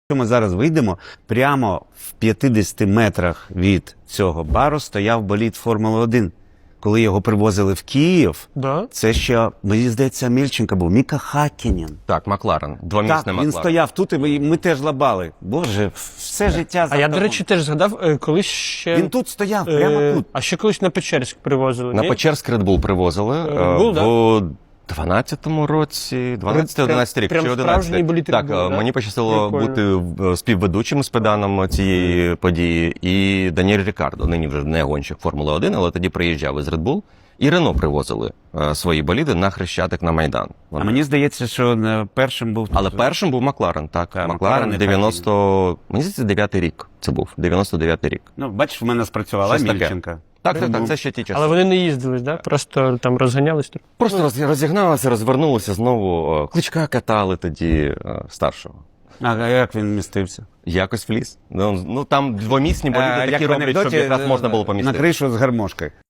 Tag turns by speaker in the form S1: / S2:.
S1: Якщо ми зараз вийдемо, прямо в 50 метрах від цього бару стояв болід Формули-1. Коли його привозили в Київ,
S2: Да?
S1: це ще, мені здається, Мільченко був, Міка Хаккінен.
S3: Так, Макларен, двомісний
S1: Так,
S3: Макларен.
S1: він стояв тут, і ми теж лабали. Боже, все життя за
S2: А я, до
S1: автобусом.
S2: речі, теж згадав, колись ще...
S1: Він тут стояв, прямо тут.
S2: А ще колись на Печерськ привозили,
S3: На
S2: ні?
S3: Печерськ Red Bull привозили
S2: Був, да?
S3: в 12-му році, 12-11 рік,
S2: Прям
S3: чи 11
S2: справжній
S3: рік.
S2: болід Red
S3: Так,
S2: Bull, да?
S3: мені пощастило
S2: Прикольно.
S3: бути співведучим з педаном цієї події. І Даніель Рікардо, нині вже не гонщик Формули-1, але тоді приїжджав із Red Bull. І Рено привозили свої боліди на Хрещатик на Майдан.
S1: А мені здається, що першим був...
S3: Але першим був Макларен, так.
S1: Так,
S3: Макларен
S1: Макларен,
S3: 90... Мені здається, 9-й рік це був, 99-й рік.
S1: Ну, бачиш, в мене спрацювала
S3: Щось таке.
S1: Мільченка.
S3: Так, це ще ті часи.
S2: Але вони не їздили, да? Просто там розганялись.
S3: Просто розігналися, розвернулися знову. Кличка катали тоді старшого.
S1: А як він містився?
S3: Якось вліз. Ну там двомісні боліди
S1: Як
S3: такі
S1: в
S3: роблять, щоб
S1: анекдоті,
S3: якраз можна було помістити.
S1: на кришу з гармошкою.